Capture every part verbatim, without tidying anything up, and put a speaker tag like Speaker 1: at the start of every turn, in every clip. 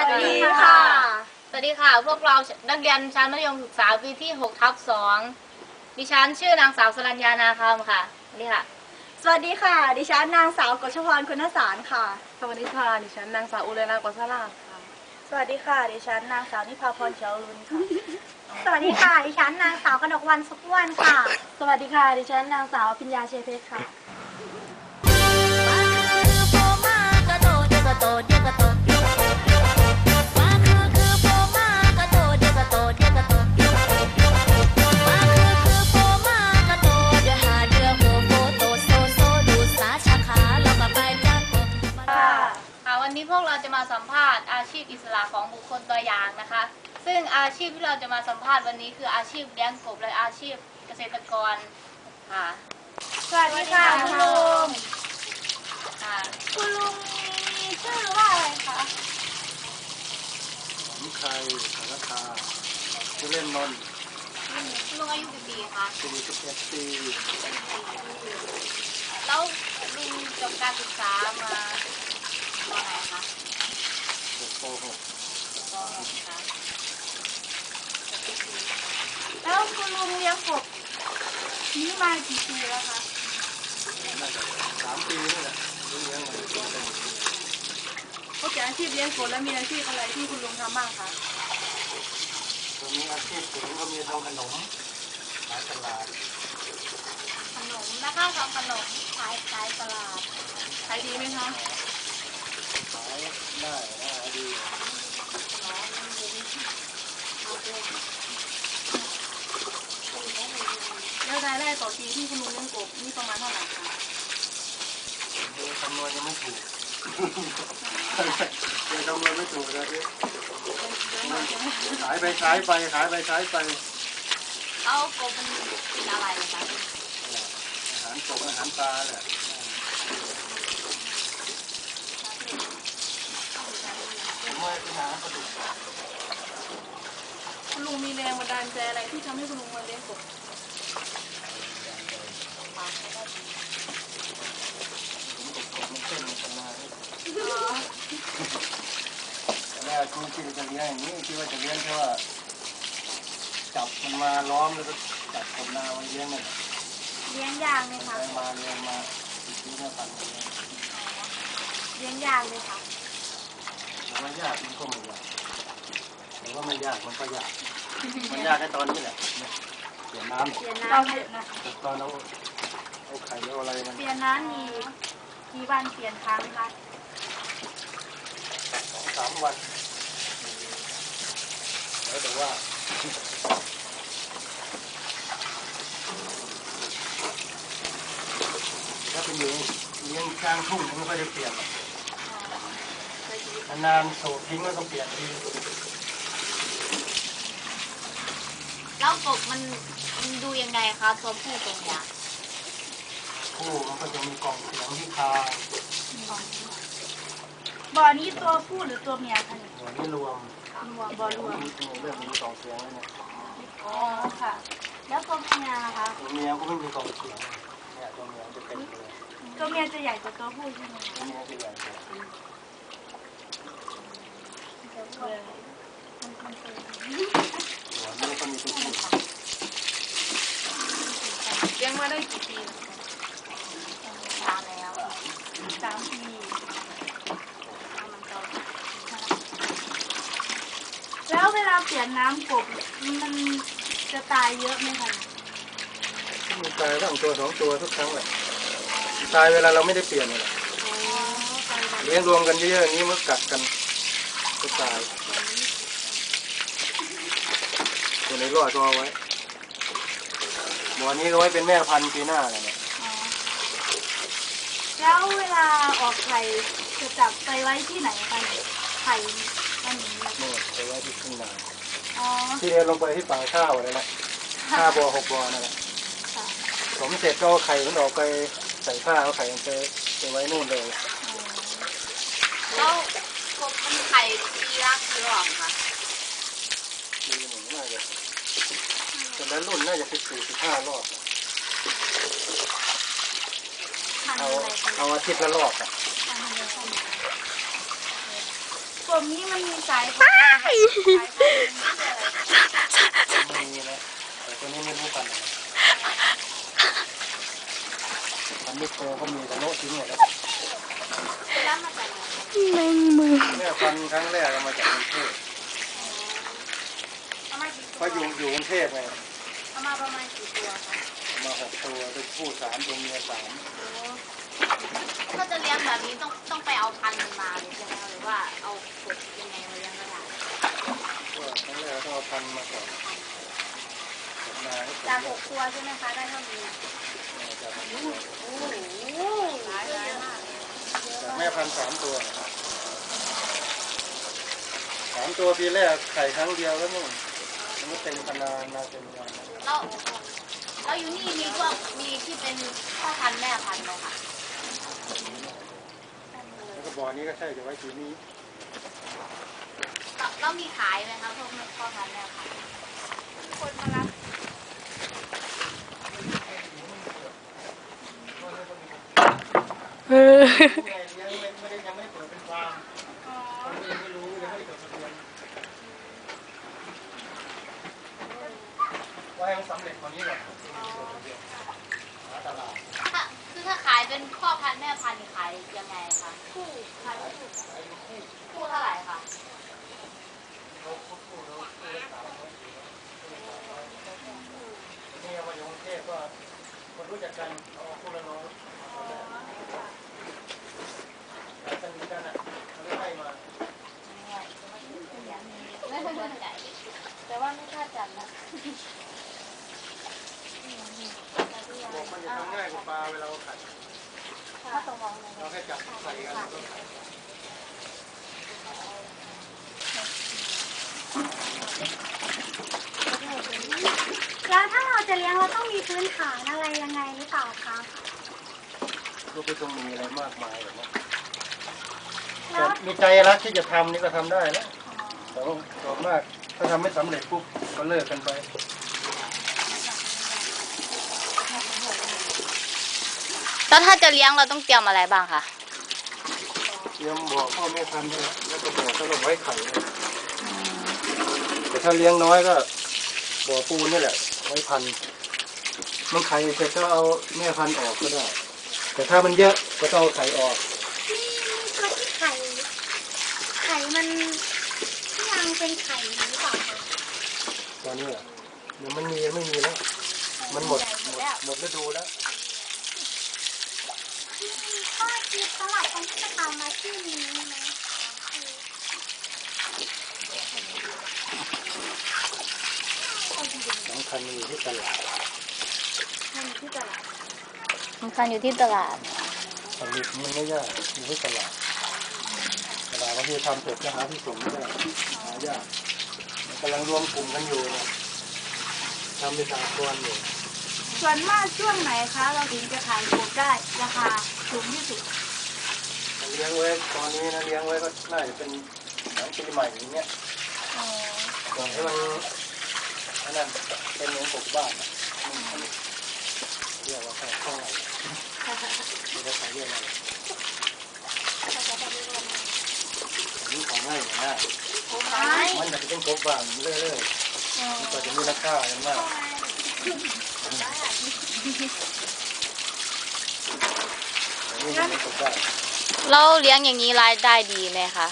Speaker 1: วัสดีค่ะสวัสดีค่ะพวกเรานักเรียนชั้นมัธยมศึกษาปีที่หกทับสองดิฉันชื่อนางสาวสรัญญานาคำค่ะสวัสดีค่ะ
Speaker 2: สวัสดีค่ะดิฉันนางสาวกฤษพรคุณสารค่ะ
Speaker 3: สวัสดีค่ะดิฉันนางสาวอุเรนากฤษลาภค่ะ
Speaker 2: สวัสดีค่ะดิฉันนางสาวนิพาพรเขียวรุนค่ะ
Speaker 4: สวัสดีค่ะดิฉันนางสาวกนกวรรณสุขวันค่ะ
Speaker 2: สวัสดีค่ะดิฉันนางสาวพิญญาเชยเพชรค่ะ
Speaker 1: วันนี้พวกเราจะมาสัมภาษณ์อาชีพอิสระของบุคคลตัวอย่างนะคะซึ่งอาชีพที่เราจะมาสัมภาษณ์วันนี้คืออาชีพเลี้ยงกบและอาชีพเกษตรกรค่ะ
Speaker 2: สวัสดีค่ะคุณลุง
Speaker 1: ค่ะ
Speaker 2: คุณลุงมีชื่อว่าอะไรคะ
Speaker 5: ผมใครสารคาชื่อเล่นนนท์
Speaker 1: คุณลุงอายุกี่ปีคะ
Speaker 5: สี่สิบเอ็ดปี
Speaker 1: แล้วลุงจบการศึกษามาตอนไหนคะ
Speaker 5: ป หก
Speaker 1: ป หก ค่ะ
Speaker 2: แล้วคุณลุงเลี้ยงกบนี้มากี่ปีแล้วคะ
Speaker 5: น่าจะสามปีนี่แหละเลี้ยงมาเป็น
Speaker 2: นอกจากอาชีพเลี้ยงกบแล้วมีอาชีพอะไรที่คุณลุงทำบ้างคะ
Speaker 5: ตอนนี้อาชีพผมก็มีทำขนมขายตลาด
Speaker 1: ขนมนะคะทำขนมขายขายตลาด
Speaker 2: ขายดีไหมคะ
Speaker 5: ขายได้ได้ดี
Speaker 2: แล้วรายได้ต่อปีที่คุณลุงเลี้ยงกบนี่ประมาณเท่าไหร่คะ
Speaker 5: เดี๋ยวคำนวณยังไม่ถูกเดี๋ยวคำนวณไม่ถูกนะพี่ขายไปขายไปขายไปขายไป
Speaker 1: แล้วกบมันกินอะไรคะ
Speaker 5: อาหารกบอาหารปลาแหละผมว่าเป็นอาหารปลาดุก
Speaker 2: คุณลุงมีแรงบันดาลใจอะไรที่ทำให้คุณลุงมาเลี้ยงกบ
Speaker 5: แม่คุณคิดจะเลี้ยงอย่างนี้คิดว่าจะเลี้ยงแค่ว่าจับมันมาล้อมแล้วก็จับกบนามันเลี้ยงเนี่ย
Speaker 4: เลี้ยงยากไหมคะ
Speaker 5: เลี้ยงมาเลี้ยงมาติดที่เนี่ยพันเลย
Speaker 4: เลี้ยงยากเลยค่ะ
Speaker 5: แต่ว่ายากมันก็ไม่ยากแต่ว่าไม่ยากมันก็ยากมันยากแค่ตอนนี้แหละเปลี่ยนน้ำ
Speaker 4: เปลี่ยนน้ำ
Speaker 5: เยอะนะตอนเอาเอาไข่เอาอะไรมัน
Speaker 4: เปลี่ยนน้ำมีกี่วันเปลี่ยนครั้งคะ
Speaker 5: สองสามวันแล้วแต่ว่าถ้าเป็นเลี้ยงเลี้ยงกลางทุ่งมันก็จะเปลี่ยนนานๆโสดทิ้งแล้วก็เปลี่ยนที
Speaker 1: แล้วกบมันมันดูยังไงคะตัวผู้ตัวเมีย
Speaker 5: ผู้มันก็จะมีกล่องเสียงที่คาง
Speaker 2: บ่อนี้ตัวผู้หรือตัวเมียคะเนี่ย
Speaker 5: หัวนี่รวม
Speaker 2: รวมบ่อรวม
Speaker 5: เรื่องมีกล่องเสียงแล้วเนี่ย
Speaker 2: อ๋อค่ะแล้วตัวเมียนะคะ
Speaker 5: ตัวเมียก็ไม่มีกล่องเสียงเนี่ยตัวเมียจะเป็นเลย
Speaker 2: ตัวเมียจะใหญ่กว่าตัวผู้ใช่ไหม
Speaker 5: ตัวเมียจะใหญ่กว่าหัวนี่ก็มีตัวผู้
Speaker 2: เลี้ยงมาได้กี่ปี
Speaker 1: นานแล้ว
Speaker 2: สามปีแล้วเวลาเปลี่ยนน้ำกบมันจะตายเยอะไหมคะ
Speaker 5: มันตายตั้งตัวสองตัวทุกครั้งแหละตายเวลาเราไม่ได้เปลี่ยนเลยเลี้ยงรวมกันเยอะๆอย่างนี้มันกัดกันก็ตายตัวไหนรอดก็เอาไว้บ่อนี้ก็ไว้เป็นแม่พันธุ์ปีหน้าอะไรเนี่ย
Speaker 2: แล้วเวลาออกไข่จะจับไปไว้ที่ไหนคะไข่มันนี้
Speaker 5: นี่ไปไว้ที่ข้างใน
Speaker 2: อ๋อ
Speaker 5: ที่เรียนลงไปที่ป่าข้าวอะไรนะห้าบ่อหกบ่อนั่นแหละสมเสร็จก็เอาไข่มันออกไปใส่ผ้าเอาไข่มันไปไปไว้นู่นเลย
Speaker 1: แล้วกบมันไข่ปีละกี่รอบคะ
Speaker 5: ปีหนึ่งน่าจะแต่ละรุ่นน่าจะสิบสี่สิบห้ารอบเอาเอาอาทิตย์ละรอบอ่ะ
Speaker 2: กกลุ่มนี้มันมีสายพันธุ์สายพันธุ์ชื่ออะไร
Speaker 5: ไม่มีนะแต่ตัวนี้ไม่รู้พันธุ์อะไรพันธุ์มิโกก็มีแต่โน้ตทิ้งหมดแล้ว
Speaker 2: แล้วมาจากไหน
Speaker 3: แมงมือ
Speaker 5: เนี่ยพันธุ์ครั้งแรกเอามาจากกรุงเทพ
Speaker 2: เอามากี่ตัว
Speaker 5: เพราะอยู่อยู่กรุงเทพไง
Speaker 2: เอามาประมาณกี่ตัวคะ
Speaker 5: เอามาหกตัวเป็นผู้สามตัวเมียสาม
Speaker 1: ถ้าจะเลี้ยงแบบนี้ต้องต้องไปเอาพันธุ์มันมาเลยใช่ไหมคะหรือว่าเอากบยังไงมาเลี้ยงก็ได้
Speaker 5: ก็ครั้งแรกต้องเอาพันธุ์มาก่อนกดมาให้ผม
Speaker 2: จากห
Speaker 5: เลือก
Speaker 2: กตัวใช่ไหมคะได้เท่านี้
Speaker 5: จาก
Speaker 2: โอ้โหหลายหลายมากเลย
Speaker 5: จากแม่พันธุ์สามตัวสามตัวปีแรกไข่ครั้งเดียวแล้วนี่มันก็เต็มขนาดนาเต็มขนาด
Speaker 1: แล้วแล้วอยู่นี่มีพวกมีที่เป็นพ่อพันธุ์แม่พันธุ์ไหมคะ
Speaker 5: แล้วก็บ่อนี้ก็ใช่จะไว้ทีนี้
Speaker 1: แล้วแล้วมีขายไหมคะพวกพ่อพันธุ์แม่พันธุ์
Speaker 2: คนมารับ
Speaker 3: เออ
Speaker 5: เลี้ยงไม่ได้ยังไม่ได้เปิดเป็นฟาร์ม
Speaker 2: อ๋อ
Speaker 5: ยังไม่รู้ยังไม่ได้จดทะเบียนว่าให้มันสำเร็จกว่านี้ก่อนหาตลาด
Speaker 1: ถ้าคือถ้าขายเป็นพ่อพันธุ์แม่พันธุ์นี่ขายยังไงคะ
Speaker 2: คู่ขายคู่
Speaker 1: คู่เท่าไหร่คะ
Speaker 5: เขาพูดพูดแล้วพูดแล้วสามร้อยสี่ร้อยนี่เอามาอยู่กรุงเทพก็คนรู้จักกันเอาคู่ละน้อยแล้วสนิทกันอ่ะเขาเลยให้มา
Speaker 2: แต่ว่าไม่คาดจัดนะ
Speaker 5: บอกมันจะทำง่ายกว่าปลาเวลาเราขัด
Speaker 2: ถ้าตรงมองเลย
Speaker 5: เราแค่จับใส่กันแล้วก็ขัด
Speaker 4: แล้วถ้าเราจะเลี้ยงเราต้องมีพื้นฐานอะไรยังไงหรือเปล่าคะ
Speaker 5: ก็ไม่ต้องมีอะไรมากมายหรอกนะ
Speaker 4: แล้
Speaker 5: แต่
Speaker 4: ว
Speaker 5: มีใจรักที่จะทำนี่ก็ทำได้นะแต่ว่าส่วนมากถ้าทำไม่สำเร็จปุ๊บก็เลิกกันไป
Speaker 1: แล้วถ้าจะเลี้ยงเราต้องเตรียมอะไรบ้างคะ
Speaker 5: เตรียมบ่อพ่อแม่พันธุ์ด้วยแล้วก็บ่อสำหรับไว้ไข่ด้วยแต่ถ้าเลี้ยงน้อยก็บ่อปูนนี่แหละไว้พันธุ์มันไข่เสร็จก็เอาแม่พันธุ์ออกก็ได้ แต่ถ้ามันเยอะก็ต้องเอาไข่ออก
Speaker 4: นี่ตัวที่ไข่ ไข่มันยังเป็นไข่หรือเปล่าคะ
Speaker 5: ตอนนี้อ่ะเดี๋ยวมันมีไม่มีแล้ว มันหมดหมดหมดฤดูแล้ว
Speaker 4: ข้อคิดสำหรับคนที่จะทำอาชีพนี้ไหม
Speaker 5: สำคัญมันอยู่ที่ตลาด
Speaker 2: มันอยู่ที่ตลาด
Speaker 1: สำคัญอยู่ที่ตลาด
Speaker 5: ผลิตมันไม่ยากอยู่ที่ตลาดตลาดบางทีทำเสร็จก็หาที่ส่งไม่ได้หายากกำลังรวมกลุ่มกันอยู่นะทำเป็นสากลอยู่
Speaker 2: ส่วนมากช่วงไหนคะ เราถึงจะขายกบได้ราคาสูงที่สุด
Speaker 5: เลี้ยงไว้ตอนนี้นะเลี้ยงไว้ก็น่าจะเป็นหลังปีใหม่อย่างเงี้ยก่อนให้มันอันนั้นเป็นเหมือนปลูกบ้านอะมันเรียกว่าข้าวข้าวเราจะใช้เรียกอะไรอันนี้ของง่ายอย่างง่ายมันจะเป็นปลูกบ้านเรื่อยๆมันก็จะมีราคาอย่างมากอันนี้มันเป็นปลูกบ้าน
Speaker 1: เราเลี้ยงอย่างนี้รายได้ดีไหมคะ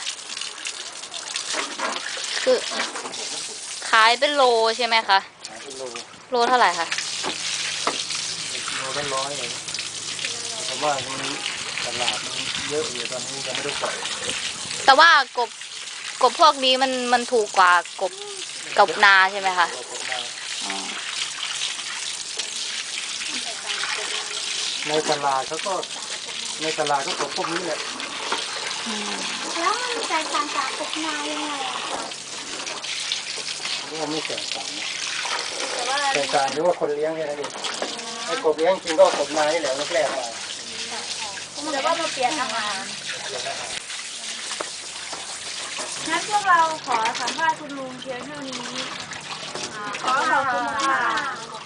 Speaker 1: คือขายเป็นโลใช่ไหมคะ
Speaker 5: ขายเป็นโล
Speaker 1: โลเท่าไหร่คะ
Speaker 5: โลละร้อยเลยเพราะว่ามันตลาดมันเยอะอยู่ตอนนี้ยังไม่ได้ปล่อย
Speaker 1: แต่ว่ากบกบพวกนี้มันมันถูกกว่ากบกบนาใช่ไหมคะ
Speaker 5: เราผมมา
Speaker 1: อ๋อ
Speaker 5: ในตลาดเขาก็ในตลาดก็ของพวกนี้แหละ
Speaker 4: แล้วมันแตกต่างจากกบนายังไงอะคะ
Speaker 5: นี่ไม่แตกต่างนะ
Speaker 2: แต่ว่า
Speaker 5: แตกต่างที่ว่าคนเลี้ยงแค่นั้นเองไอ้กบเลี้ยงจริงก็กบนานี่แหละแรกๆมา
Speaker 2: แต่ว่ามาเปลี่ยนอาหารงั้นพวกเราขอสัมภาษณ์คุณลุงเพียงเท่านี้ ขอขอบคุณค่ะ